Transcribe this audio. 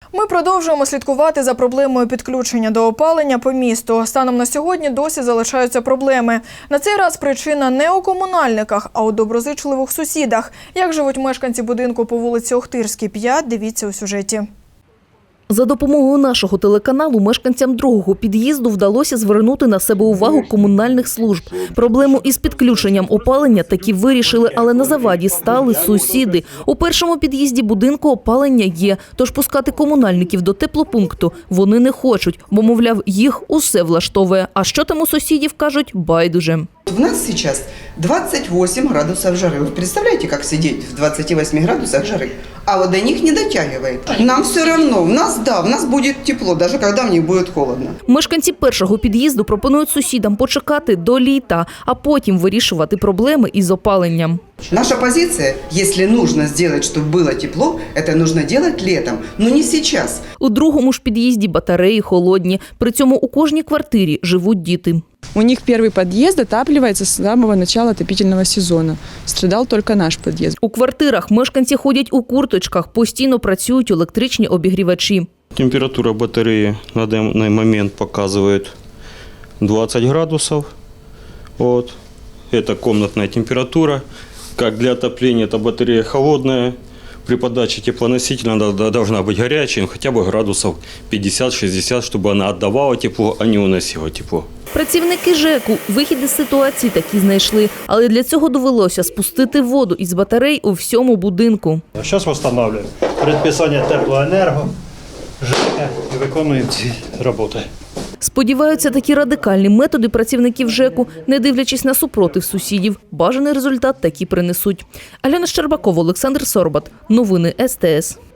Ми продовжуємо слідкувати за проблемою підключення до опалення по місту. Станом на сьогодні досі залишаються проблеми. На цей раз причина не у комунальниках, а у доброзичливих сусідах. Як живуть мешканці будинку по вулиці Охтирській, 5, дивіться у сюжеті. За допомогою нашого телеканалу мешканцям другого під'їзду вдалося звернути на себе увагу комунальних служб. Проблему із підключенням опалення таки вирішили, але на заваді стали сусіди. У першому під'їзді будинку опалення є, тож пускати комунальників до теплопункту вони не хочуть, бо, мовляв, їх усе влаштовує. А що там у сусідів, кажуть, байдуже. У нас сейчас 28 градусов жары. Вы представляете, как сидеть в 28 градусах жары? А вот до них не дотягивает. Нам все равно. В нас будет тепло, даже когда в них будет холодно. Мешканці першого під'їзду пропонують сусідам почекати до літа, а потім вирішувати проблеми із опаленням. Наша позиция, если нужно сделать, чтобы было тепло, это нужно делать летом, но не сейчас. У другому ж під'їзді батареї холодні. При цьому у кожній квартирі живуть діти. У них первый подъезд отапливается с самого начала отопительного сезона. Страдал только наш подъезд. У квартирах мешканці ходять у курточках, постійно працюють електричні обігрівачі. Температура батареи на данный момент показывает 20 градусов. Вот. Это комнатная температура. Как для отопления эта батарея холодная. При подаче теплоносителя она должна быть горячей, хотя бы градусов 50-60, чтобы она отдавала тепло, а не уносила тепло. Працівники ЖЕКу вихід із ситуації таки знайшли, але для цього довелося спустити воду із батарей у всьому будинку. Зараз встановлюємо предписання теплоенерго, ЖЕК і виконуємо ці роботи. Сподіваються, такі радикальні методи працівників ЖЕКу, не дивлячись на супротив сусідів, бажаний результат таки принесуть. Альона Щербакова, Олександр Сорбат. Новини СТС.